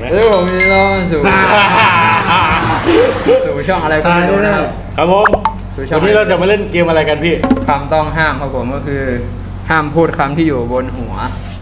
ผมมีน้องสู่ช่องอะไรก็ไม่รู้นะครับครับผมวันนี้เราจะมาเล่นเกมอะไรกันพี่คำต้องห้ามครับผมก็คือห้ามพูดคำที่อยู่บนหัว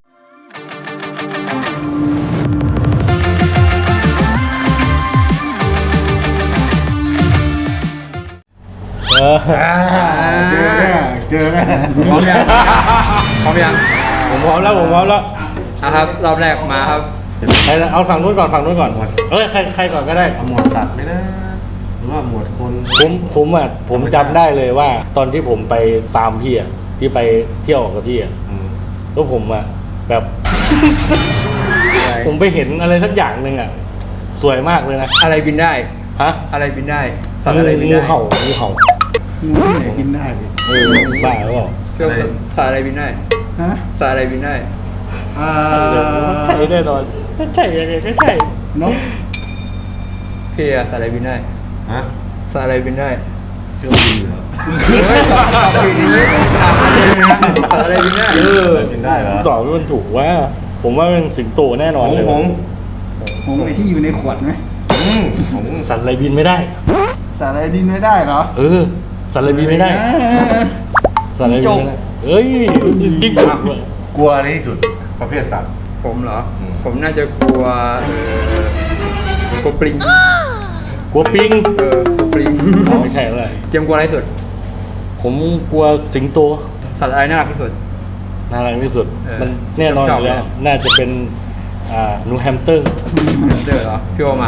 เจอแน่พร้อมยังพร้อมยังผมพร้อมแล้วนะครับรอบแรกมาครับเอาฝั่งนู้นก่อนใครก่อนก็ได้หมวดสัตว์ไม่ได้หรือว่าหมวดคนผมจำได้เลยว่า ตอนที่ผมไปฟาร์มพี่อ่ะที่ไปเที่ยวกับพี่อ่ะแล้วผมอ่ะแบบ ผมไปเห็นอะไรสักอย่างหนึ่งอ่ะสวยมากเลยนะอะไรบินได้ฮะอะไรบินได้สัตว์อะไรบินได้งูเห่างูไหนกินได้พี่บ้าหรือเปล่าเรื่องสัตว์อะไรบินได้ฮะสัตว์อะไรบินได้ใช่แน่นอนใช่ยังไงก็ใช่นกพี่สัตว์อะไรบินได้ฮะสัตว์อะไรบินได้เครื่องบินเหรอตอบผิดนี้ถามอะไรนะสัตว์อะไรบินได้บินได้เหรอตอบมันถูกว่าผมว่าเป็นสิงโตแน่นอนเลยหงไอที่อยู่ในขวดไหมสัตว์อะไรบินไม่ได้สัตว์อะไรบินไม่ได้เหรอสัตว์อะไรบินไม่ได้สัตว์อะไรบินไม่ได้เฮ้ยจริงกลัวอะไรที่สุดประเภทสัตว์ผมเหรอผมน่าจะกลัวกลัวปลิงกลัวปิงกลัวปลิงไม่ใช่อะไรเจมกลัวอะไรสุดผมกลัวสิงโตสัตว์อะไรน่ารักที่สุดมันแน่นอนอยู่แล้วน่าจะเป็นนูแฮมสเตอร์เหรอพี่โอมา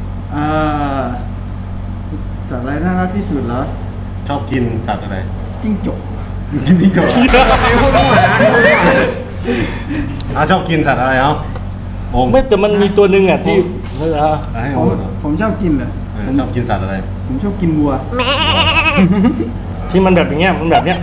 สัตว์อะไรน่ารักที่สุดเหรอชอบกินสัตว์อะไรจิ้งจกกินจิ้งจกชอบกินสัตว์อะไรไม่แต่มันมีตัวหนึ่งอ่ะที่ผมชอบกินเหรอชอบกินสัตว์อะไรผมชอบกินวัวที่มันแบบอย่างเงี้ยมันแบบเนี้ย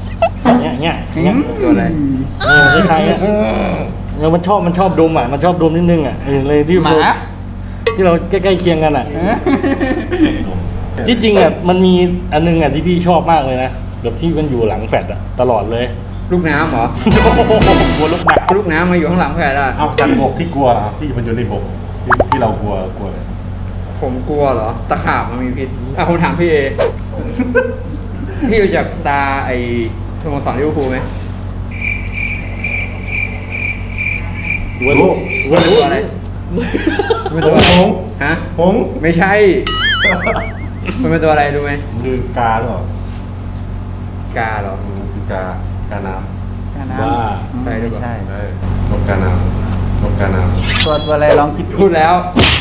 ตัวอะไรคล้ายๆเงี้ยมันชอบดมอ่ะมันชอบดมนิดนึงอ่ะเลยที่เราใกล้ๆเคียงกันอ่ะที่จริงอ่ะมันมีอันนึงอ่ะที่พี่ชอบมากเลยนะแบบที่มันอยู่หลังแฟลตอ่ะตลอดเลยลูกน้ำเหรอกลัวลูกน้ำมาอยู่ข้างหลังแฟลตอ่ะสัตว์บกที่กลัวที่มันอยู่ในบกที่เรากลัวผมกลัวเหรอตะขาบมันมีพิษผมถามพี่เอพี่รู้จักตาไอ้สโมสรลิเวอร์พูลไหมวันรู้อะไรเป็นตัวอะไรฮะหงไม่ใช่มันเป็นตัวอะไรรู้ไหมคือกาหรอกาเหรอคือกาน้ำว่าใช่หรือเปล่านกกาน้ำตัวอะไรลองคิดพูดแล้ว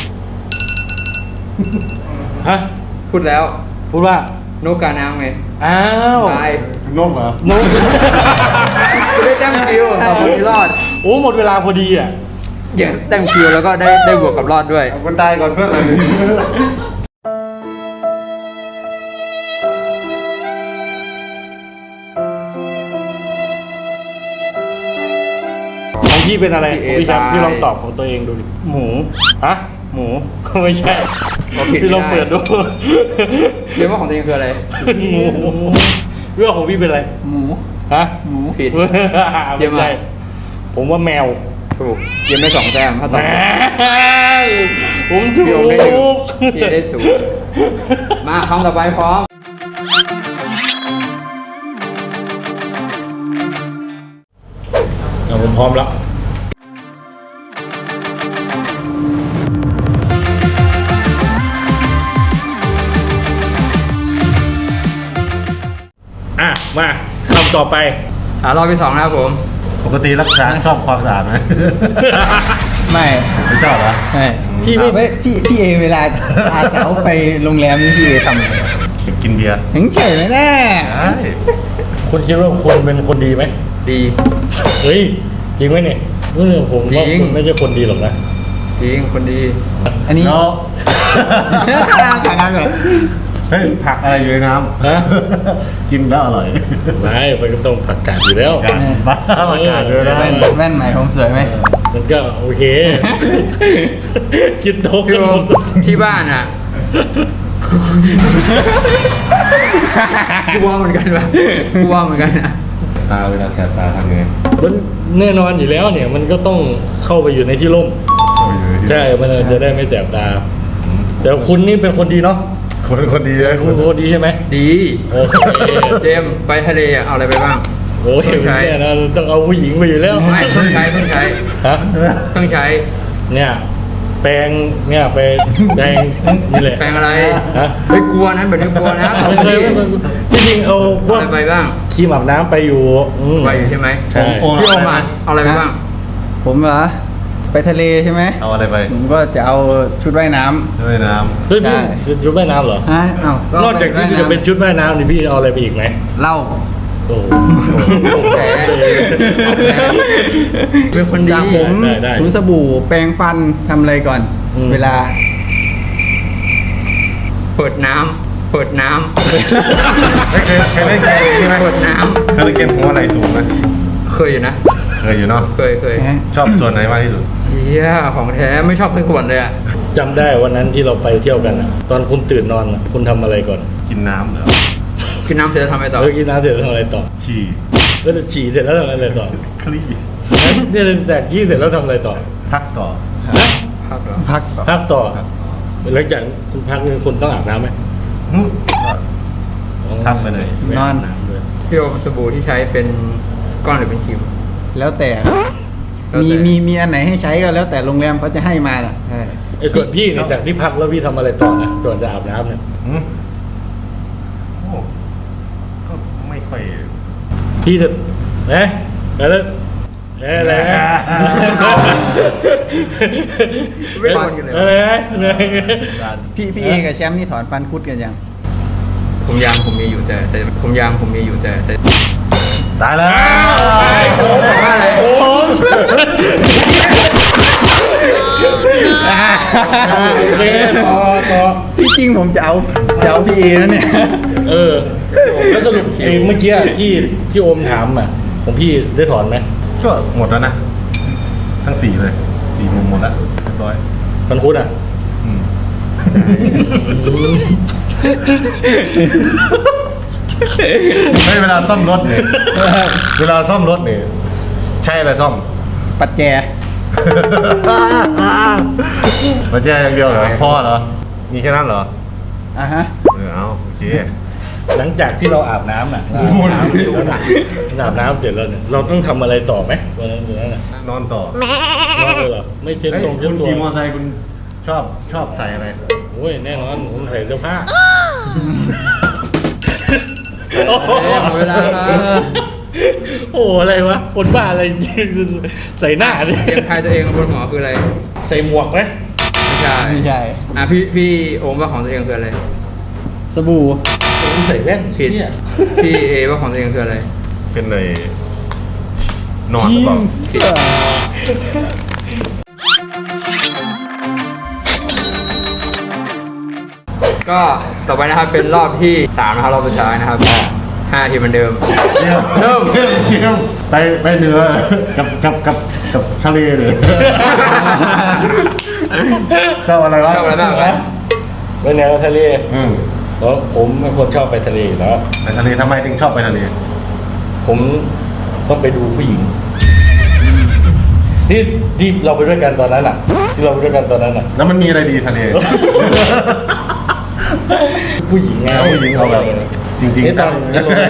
ฮะพูดว่านกกาน้ำไงอ้าวตายนกเหรอนกได้แต้มคิวต่อคนที่รอดหมดเวลาพอดีอ่ะอย่างแต้มคิวแล้วก็ได้บวกกับรอดด้วยคนตายก่อนเพื่อนเลยของพี่เป็นอะไรพี่แชมป์พี่ลองตอบของตัวเองดูดิหมูก็ไม่ใช่พี่ลองเปิดดูเรียกว่าของตัวเองคืออะไรงูเรื่องของพี่เป็นอะไรหมูผิดไม่ใช่ผมว่าแมวถูกเกมได้2 แต้มถ้าตอบผมถูกพี่ได้0มาคำต่อไปพร้อมผมพร้อมแล้วมาคำต่อไปรอบที่2นะครับผมปกติรักษาชอบความสะอาดไหมไม่ชอบเหรอพี่เอเวลาพาสาวไปโรงแรมนี่พี่เอทำอะไรกินเบียร์ถึงเฉยไหมแน่คุณคิดว่าคนเป็นคนดีไหมดีเฮ้ยจริงไหมเนี่ยเรื่องผมว่าคุณไม่ใช่คนดีหรอกนะจริงคนดีอันนี้การเลยเฮ้ยผักอะไรอยู่ในน้ำฮะกินแล้วอร่อยไม่มันก็ต้องผักกาดอยู่แล้วบ้าผักกาดด้วยนะแว่นใหม่ผมสวยไหมมันก็โอเคคิดโต๊ะที่บ้านอ่ะกูว่าเหมือนกันนะเวลาแสบตาทำไงมันแน่นอนอยู่แล้วเนี่ยมันก็ต้องเข้าไปอยู่ในที่ร่มใช่มันจะได้ไม่แสบตาแต่คุณนี่เป็นคนดีเนาะคนเป็นคนดีเลยคุณเป็นคนดีใช่ไหมดีโอเคเจมส์ไปทะเลอะเอาอะไรไปบ้างโอ้ยเนี่ยนะต้องเอาผู้หญิงไปอยู่แล้วไม่เพิ่งใช้เพิ่งใช้ฮะเพิ่งใช้เนี่ยแปรงเนี่ยไปแปรงนี่แหละแปรงอะไรฮะไม่กลัวนะแบบนี้กลัวนะไม่เคยจริงๆเอาพวเอากอะไรไปบ้างครีมอาบน้ำไปอยู่อืมไปอยู่ใช่ไหมใช่พี่โอมาเอาอะไรไปบ้างผมเหรอไปทะเลใช่ไหมเอาอะไรไปผมก็จะเอาชุดว่ายน้ำด้วยน้เฮ้ยได้พี่ชุดว่ายน้ำเหรอฮะเอ้านอกจากที่จะเป็นชุดว่ายน้ำนี่พี่เอาอะไรไปอีกไหมเหล้าโอ้โหแผลเป็นคนสดีระผมได้ถูสบู่แปรงฟันทำอะไรก่อนอืมเวลาเปิดน้ำเปิดน้ำเคยเล่นเกมใช่ไหมำเปิดน้เคยเล่นเกมหัวอะไรตูไหมำเคยอยู่นะเคยอยู่เนาะเคยฮะชอบส่วนไหนมากที่สุดเชี่ยของแท้ไม่ชอบสักส่วนเลยอะจำได้วันนั้นที่เราไปเที่ยวกันอะตอนคุณตื่นนอนอะคุณทำอะไรก่อนกินน้ำเหรอกินน้ำเสร็จแล้วทำอะไรต่อเออกินน้ำเสร็จแล้วทำอะไรต่อฉี่แล้วจะฉี่เสร็จแล้วทำอะไรต่อคลี่เนี่ยจากยี่เสร็จแล้วทำอะไรต่อพักต่อพักเหรอพักต่อพักต่อหลังจากคุณพักนี่คุณต้องอาบน้ำไหมพักไปเลยไม่อาบน้ำเลยพี่โอสบู่ที่ใช้เป็นก้อนหรือเป็นครีมแล้วแต่แล้วแต่มีอันไหนให้ใช้ก็แล้วแต่โรงแรมเขาจะให้มาน่ะใช่ไอ้ส่วนพี่เนี่ยจากที่พักแล้วพี่ทำอะไรต่อนะส่วนจะอาบน้ำเนี่ยอืมโอ้ก็ไม่ค่อยพี่จะนะแล้วอะไรนะไม่นอนกันเลยเหรออะไรนะพี่เอกับแชมป์นี่ถอนฟันคุดกันยังผมยางผมมีอยู่แต่ผมยางผมมีอยู่แต่ตายแล้วผมบอกว่าอะไรโอเคต่อที่จริงผมจะเอาพี่เอนะเนี่ยเออแล้วสรุปไอ้เมื่อกี้ที่พี่โอมถามอ่ะของพี่ได้ถอนไหมก็หมดแล้วนะ ทั้งสี่เลยสี่มุมหมดแล้วเรียบร้อยฟันคุดอ่ะอืมเฮ้ยเวลาซ่อมรถเนี่ยเวลาซ่อมรถเนี่ยใช่อะไรซ่อมปัดแจมาแจ้อย่างเดียวเหรอพ่อเหรอ มีแค่นั้นเหรออ่ะฮะเอาโอเคหลังจากที่เราอาบน้ำอ่ะเราอาบน้ำเสร็จแล้วนะอาบน้ำเสร็จแล้วเนี่ยเราต้องทำอะไรต่อไหมวันนั้นน่ะนอนต่อนอนเลยเหรอไม่เช็ดเฮ้ยตรงเช็คุดณตัวขี่มอเตอร์ไซค์คุณชอบใส่อะไรโอ้ยแน่นอนผมใส่เสื้อผ้าหมดเวลาครับโอ้อะไรวะคนบ้าอะไรใส่หน้าเลยเตรียมทายตัวเองบนหัวคืออะไรใส่หมวกไหมไม่ใช่ไม่ใช่อ่ะพี่โอมว่าของตัวเองคืออะไรสบู่ผมใส่แว่นผิดเนี่ยพี่เอว่าของตัวเองคืออะไรเป็นเลยนอนหรือเปล่าก็ต่อไปนะครับเป็นรอบที่3นะครับรอบสุดท้ายนะครับ5ทีเหมือนเดิม เริ่มเจียมไปเหนือกับทะเลเลย ชอบอะไรวะชอบอะไรบ้างไปแนวทะเลอืมแล้วผมเป็นคนชอบไปทะเลอยู่แล้วไปทะเลทำไมถึงชอบไปทะเลผมต้องไปดูผู้หญิงที่เราไปด้วยกันตอนนั้นอ่ะ ที่เราไปด้วยกันตอนนั้นอ่ะแล้วมันมีอะไรดีทะเลผู้หญิงไงเอาผู้หญิงเอาแบบจริงๆนี่ตอน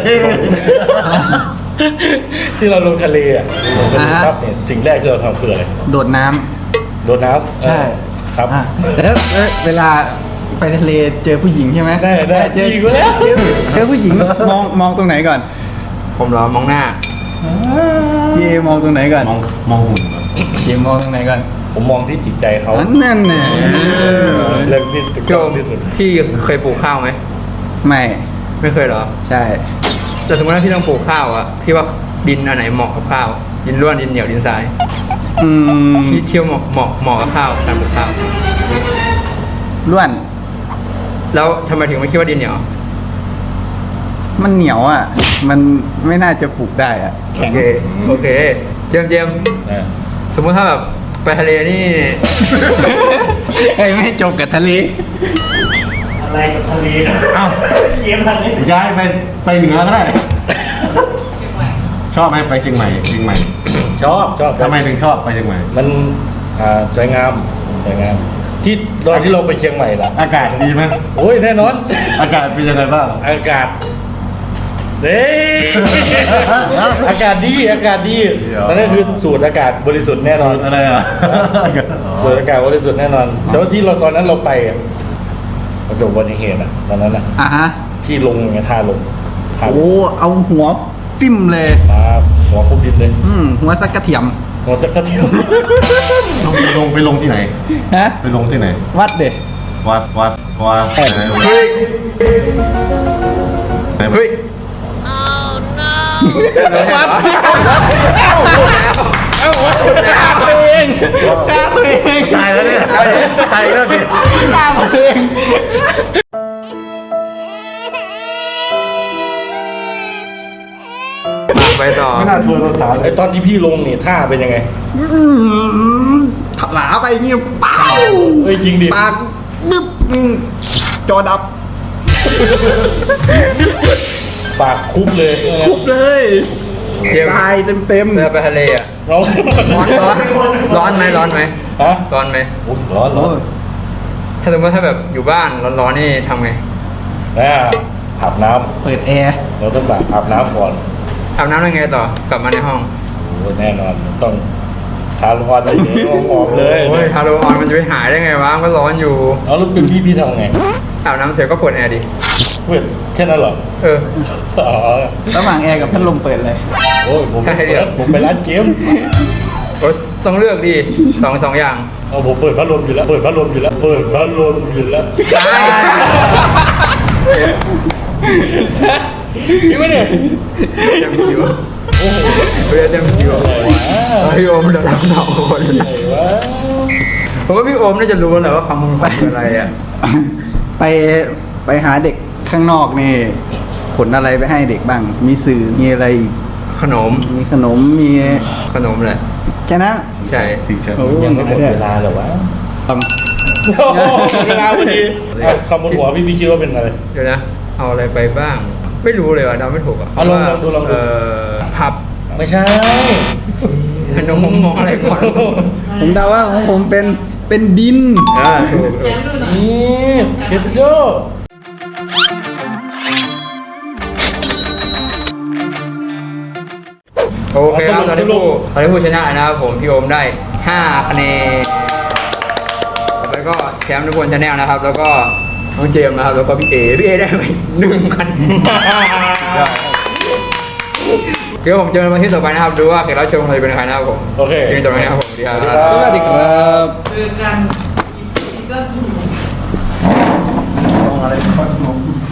ที่เราลงทะเลอ่ะลงทะเลครับเนี่ยสิ่งแรกที่เราทำคืออะไรโดดน้ำโดดน้ำใช่ครับอ่ะแล้วเวลาไปทะเลเจอผู้หญิงใช่ไหมได้เจอจริงแล้วเจอผู้หญิงมองตรงไหนก่อนผมเหรอมองหน้าพี่เอมองตรงไหนก่อนมองหุ่นก่อนพี่เอมองตรงไหนก่อนผมมองที่จิตใจเขานั่นน่ะเรื่องที่ถูกพี่ต้โอองมที่สุดพี่เคยปลูกข้าวไหมไม่ไม่เคยเหรอใช่แต่สมมติว่าพี่ต้องปลูกข้าวอ่ะพี่ว่าดินอันไหนเหมาะกับข้าว ดินร่วนดินเหนียวดินทรายอืมพี่เที่ยวเหมาะกับข้าวการปลูกข้าวล้วนแล้วทำไมถึงไม่คิดว่าดินเหนียวมันเหนียวอ่ะ มันไม่น่าจะปลูกได้อ่ะโอแข็งเคโอเคเจมส์นะสมมติถ้าแบบไปทะเลนี่เฮ้ยไม่ให้จบกับทะเลอะไรกับทะเลเอ้าเยี่ยมทะเลย้ายไปเหนือก็ได้ ชอบไหมไปเชียงใหม่ชอบทำไมถึงชอบไปเชียงใหม่มันสวยงามอสวยงามที่ตอนที่เราไปเชียงใหม่ล่ะอากาศดีไหมโอ้ยแน่นอนอากาศเป็นยังไงบ้างอากาศเด้อากาศดีอากาศดีนั่นก็คือสูตรอากาศบริสุทธิ์แน่นอนสูตรอะไรอ่ะสูตรอากาศบริสุทธิ์แน่นอนแต่ว่าที่เราตอนนั้นเราไปอะประสบอุบัติเหตุอ่ะตอนนั้นอ่ะอ่ะฮะที่ลงไงท่าลงท่าลโอ้งเอาหัวฟิ่มเลยครับหัวคุบดินเลยหัวสักกระเทียมหัวจักระเทียมไปลงที่ไหนฮะไปลงที่ไหนวัดเด็วัดเฮ้ยเฮ้ยวัดฆ่าตัวเองฆ่าตัวเองตายแล้วเนี่ยตายแล้วดิฆ่าตัวเองไปต่อไม่น่าชวนเราถามเลไอย ตอนที่พี่ลงนี่ท่าเป็นยังไงถลาไปเงี้ยเป้าเฮ้ยจริงดิปากบึ๊บจอดับปากคุบเลยคุบเลยเดี๋ยวตายเต็มเรือไปทะเลอ่ะร้อนร้อนไหมร้อนไหมฮะร้อนไหมอุ๊ยร้อนๆร้โอ้อนถ้าสมมติถ้าแบบอยู่บ้านร้อนๆนี่ทำไงอาบน้เปิดแอร์ำเราต้องแบบอาบน้ำก่อนอาบน้ำยังไงต่อกลับมาในห้องโอ้แน่นอนต้องทาร้อนอะไรอย่างเงี้ยหอมเลยโอ้ยฮาโลออนมันจะไปหายได้ไงวะมันก็ร้อนอยู่เอาแล้วเป็นพี่ทำไงอาบน้ำเสร็จก็เปิดแอร์ดิเพื่อนแค่นั้นเหรอเอออ๋อระหว่างแอร์กับพัดลมเปิดเลยโอ้ยผมให้เลือกผมไปร้านเกมโอ้ยต้องเลือกดิสองอย่างเอาผมเปิดพัดลมอยู่แล้วเปิดพัดลมอยู่แล้วเปิดพัดลมอยู่แล้วพี่ไม่เนี่ยเต็มคิวโอ้โหเต็มคิวพี่โอมเดี๋ยวเราสองคนไหนวะผมว่าพี่โอมน่าจะรู้แหละว่าคำมึงคืออะไรอ่ะไปหาเด็กข้างนอกนี่ขนอะไรไปให้เด็กบ้าง มีสื่อมีอะไรอีกขนมมีขนมมีขนมแหละแค่นั้นใช่จริงใช่โอ้ยังไม่หมดเวลาเหรอวะทเวลาพอดีคำบนหัวพี่คิดว่าเป็นอะไรเดี๋ยวนะ เอาอะไรไปบ้าง ไม่รู้เลยว่ะเดาไม่ถูกอ่ะลองดูผับไม่ใช่น้องมองอะไรก่อนำผมเดาว่าของผมเป็นดินถูกนี่เชฟโดโอเคครับตอนนี้ผู้ชนะนะครับผมพี่โอมได้5คะแนนแล้วก็แชมป์ทุกคนชาแนลนะครับ แล้วก็น้องเจมส์นะครับแล้วก็พี่เอได้ไป1คะแนนเดี๋ยวผมเจอกันวันที่ต่อไปนะครับดูว่าแขกรับเชิญของเราจะเป็นใครนะครับผมโอเคที่จบแล้วนะครับผมสวัสดีครับสวัสดีครับเจอกันอีกซีซั่นอะไร